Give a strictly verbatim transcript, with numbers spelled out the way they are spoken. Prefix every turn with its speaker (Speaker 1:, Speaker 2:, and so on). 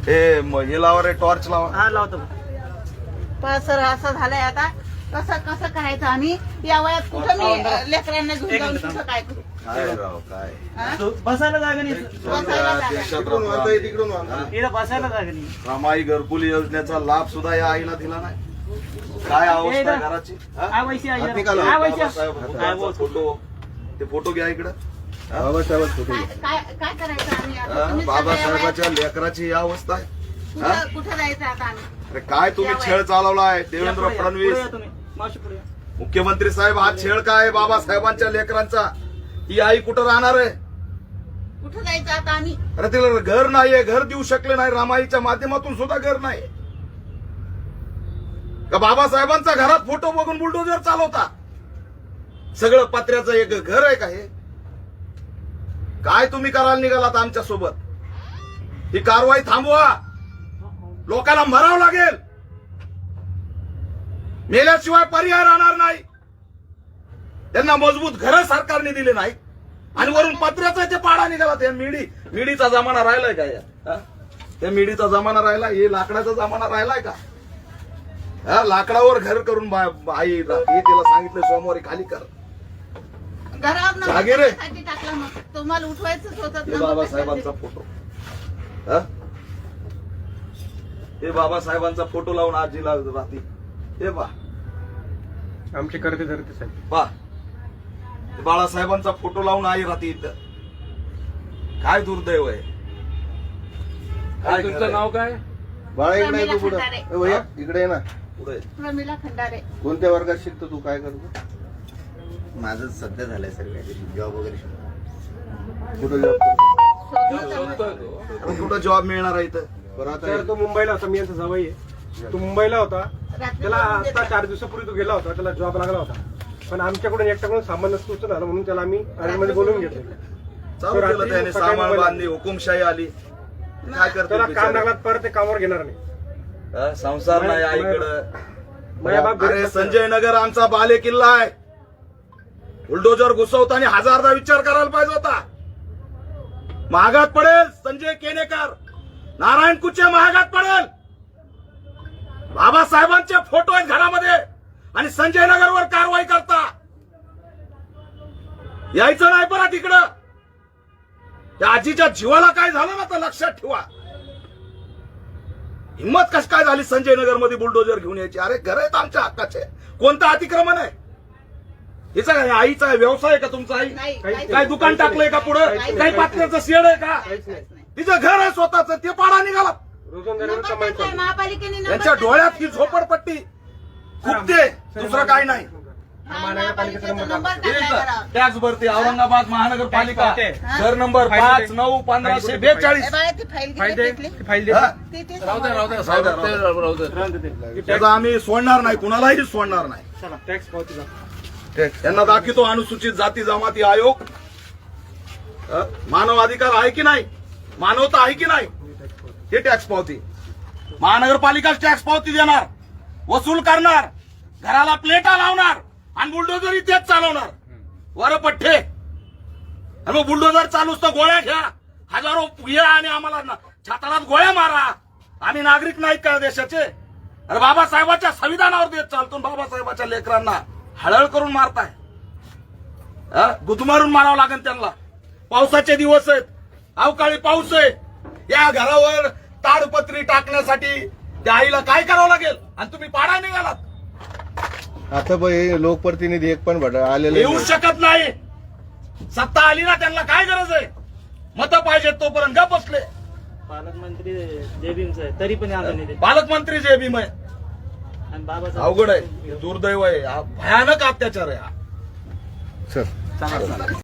Speaker 1: हे म- हे लावा रे, टॉर्च लावा.
Speaker 2: हा लावतो.
Speaker 3: पण सर असं झालंय आता, कसं कसं करायचं आम्ही या वयात कुठं मी लेकरांना घेऊन जाऊन कुठं काय करू?
Speaker 1: काय राव काय
Speaker 3: हा?
Speaker 2: तो बसायला जागा नाही.
Speaker 3: बसायला जागा.
Speaker 1: देशात राहतो आम्ही.
Speaker 2: इथं बसायला जागा नाही.
Speaker 1: रमाई घरकुल योजनेचा लाभ सुद्धा या आईला दिला नाही. काय अवस्था आहे घराची? हा?
Speaker 2: काय वैशी आहे?
Speaker 1: हात निकाला.
Speaker 2: काय वैशी?
Speaker 1: बाबासाहेब भुजबळांचा फोटो, ते फोटो घ्या इकडं. बाबासाहेब
Speaker 3: काय काय- काय करायचं आम्ही आता? तुम्ही सगळ्या वयात
Speaker 1: बाबासाहेबाच्या लेकराची ही अवस्था आहे. हा?
Speaker 3: कुठं कुठं जायचं आता आम्ही?
Speaker 1: अरे काय तुम्ही छळ चालवलाय देवेंद्र
Speaker 2: पुढे या, पुढे
Speaker 1: फडणवीस
Speaker 2: या तुम्ही. मावशी पुढे या.
Speaker 1: मुख्यमंत्री साहेब. हा छळ काय आहे बाबासाहेबांच्या लेकरांचा? ही आई कुठं राहणार आहे?
Speaker 3: कुठं जायचं आता आम्ही?
Speaker 1: अरे तिला घर नाहीये, घर देऊ शकले नाही. रामाईच्या माध्यमातून सुद्धा घर नाही का? बाबासाहेबांचा घरात फोटो बघून बुलडोजर चालवता. सगळं पत्र्याचं एक घर आहे का हे? काय तुम्ही करायला निघालात आमच्या सोबत? ही कारवाई थांबवा. लोकांना मरावं लागेल. मेल्याशिवाय पर्याय राहणार नाही. त्यांना मजबूत घरं सरकारने दिले नाही आणि वरून पत्र्याचा ते पाडा निघाला. त्या मिडी मिडीचा जमाना राहिलाय का या? हा? त्या मिडीचा जमाना राहिला? हे लाकडाचा जमाना राहिलाय का? हा, लाकडावर घर करून बा- आई हे तिला सांगितलं सोमवारी खाली कर.
Speaker 3: घरावर
Speaker 1: जागे रे.
Speaker 3: नंबरसाठी टाकला मग तुम्हाला उठवायचंच होतं
Speaker 1: हे
Speaker 3: नंबर
Speaker 1: बाबासाहेबांचा फोटो. हा? हे बाबासाहेबांचा फोटो लावून आजीला राहते. हे बा
Speaker 4: आमचे करते धरते साहेब.
Speaker 1: बा बाळासाहेबांचा फोटो लावून आई राहते इथं. काय दुर्दैव आहे. काय
Speaker 4: तुमचं
Speaker 1: खरंय?
Speaker 4: नाव काय?
Speaker 5: बाळा इकडे
Speaker 3: प्रमिला
Speaker 5: आहे तू पुढं.
Speaker 3: खंडारे.
Speaker 5: ए भैया इकडे आहे ना.
Speaker 1: पुढे.
Speaker 3: प्रमिला खंडारे.
Speaker 5: कोणत्या वर्गात शिकतो तू? काय करतो?
Speaker 6: माझं सध्या झालंय सर जॉब वगैरे
Speaker 5: कुठं जॉब करतो?
Speaker 3: शोधलं तर
Speaker 1: अरे कुठं जॉब मिळणार आहे इथं?
Speaker 5: बरं आता
Speaker 4: सर तो मुंबईला होता. मी यांचा जावई आहे. तो मुंबईला होता.
Speaker 3: रात्री
Speaker 4: त्याला
Speaker 3: जाऊन
Speaker 4: आता
Speaker 3: देतात.
Speaker 4: चार दिवसापूर्वी तो गेला होता. त्याला जॉब लागला होता. पण आमच्याकडून एकट्याकडून सामान नसतो झालं म्हणून त्याला आम्ही मध्ये बोलवून घेतलं.
Speaker 1: चालू
Speaker 4: रात्री
Speaker 1: केलं त्याने.
Speaker 4: सकाळी
Speaker 1: सामान
Speaker 4: मोबाईल
Speaker 1: बांधली, हुकुमशाही आली. काय करतो
Speaker 4: त्याला काम
Speaker 1: बिचारा?
Speaker 4: लागला परत ते कामावर घेणार नाही.
Speaker 1: हा, संसार नाही आईकडं.
Speaker 4: माझ्या बाप घरी
Speaker 1: अरे
Speaker 4: नसतो.
Speaker 1: संजय नगर आमचा बाले किल्ला आहे. बुलडोजर घुसवताना हजारदा विचार करायला पाहिजे होता. महागात पडेल संजय केनेकर, नारायण कुचे महागात पडेल. बाबासाहेबांचे फोटो आहेत घरामध्ये आणि संजय नगरवर कारवाई करता. यायचं नाही परत इकडं. त्या आजीच्या जीवाला काय झालं ना तर लक्षात ठेवा. हिंमत कशी काय झाली संजय नगर मध्ये बुलडोजर घेऊन यायची? अरे घर आहेत आमच्या हक्काचे. कोणतं अतिक्रमण आहे? हिचा काय आईचा व्यवसाय आहे का तुमचा? आई
Speaker 3: नाही,
Speaker 4: काही-
Speaker 3: काहीच
Speaker 1: काय दुकान टाकलंय का पुढं?
Speaker 4: काहीच
Speaker 1: काही पात्र्याचं शेड आहे का?
Speaker 4: काहीच नाही.
Speaker 1: तिचं घर आहे स्वतःच, ते पाडा निघाला.
Speaker 4: रोजंदारीवर
Speaker 3: नंबर
Speaker 4: कमाई
Speaker 3: टाकलाय
Speaker 4: करतो.
Speaker 3: महापालिकेने नंबर
Speaker 1: यांच्या
Speaker 3: टाकलाय.
Speaker 1: डोळ्यात ही झोपडपट्टी फुटते, दुसरं काय नाही.
Speaker 3: हा,
Speaker 4: महानगरपालिकेचा
Speaker 3: महापालिकेचा
Speaker 4: नंबर
Speaker 3: नंबर
Speaker 4: टाकलाय.
Speaker 3: टाकलाय घरावर.
Speaker 1: टॅक्स भरते औरंगाबाद महानगरपालिका,
Speaker 4: टॅक्स
Speaker 1: घर नंबर
Speaker 4: फाईल
Speaker 1: पाच
Speaker 4: दे.
Speaker 1: नऊ पंधराशे
Speaker 4: फाईल
Speaker 1: बेचाळीस.
Speaker 3: ए बाळा, ती फाईल
Speaker 4: फाईल
Speaker 3: किती
Speaker 4: दे.
Speaker 3: घेतली?
Speaker 4: ती फाईल दे.
Speaker 1: हा?
Speaker 3: ती- ती
Speaker 4: राहू दे, राहू दे,
Speaker 1: राहू दे, राहू दे.
Speaker 4: राहू दे ते.
Speaker 1: त्याचं आम्ही सोडणार नाही, कुणालाही सोडणार नाही.
Speaker 4: चला टॅक्स पावतीचा.
Speaker 1: त्यांना दाखवतो अनुसूचित जाती जमाती आयोग. अ, मानव अधिकार आहे की नाही? मानवता आहे की नाही? हे टॅक्स पावती. महानगरपालिका टॅक्स पावती देणार, वसूल करणार, घराला प्लेटा लावणार आणि बुलडोजर तेच चालवणार. वर पठ्ठे. आणि मग बुलडोजर चालूच तर गोळ्या घ्या, हजारो घ्या आणि आम्हाला ना- छाताडात गोळ्या मारा. आम्ही नागरिक नाहीत का देशाचे? अरे बाबासाहेबाच्या संविधानावर देत चालतो, बाबासाहेबाच्या लेकरांना हळहळ करून मारताय. हा? गुदमारून मारावं लागेल त्यांना. पावसाचे दिवस आहेत, अवकाळी पाऊस आहे. या घरावर ताडपत्री टाकण्यासाठी त्या आईला काय करावं लागेल? आणि तुम्ही पाडा निघालात.
Speaker 5: आता बाई लोकप्रतिनिधी एक पण भट आलेले
Speaker 1: येऊ
Speaker 5: नाही.
Speaker 1: शकत नाही. सत्ता आली ना, त्यांना काय गरज आहे? मतं पाहिजेत तोपर्यंत गप बसले.
Speaker 2: पालकमंत्री जय भीमचं आहे तरी पण आलं नाही ते.
Speaker 1: पालकमंत्री जे भीम आहे.
Speaker 2: आणि बाबासाहेब
Speaker 1: अवघड आहे, दुर्दैव आहे, हा भयानक अत्याचार आहे हा.
Speaker 5: सर
Speaker 2: चांगलं.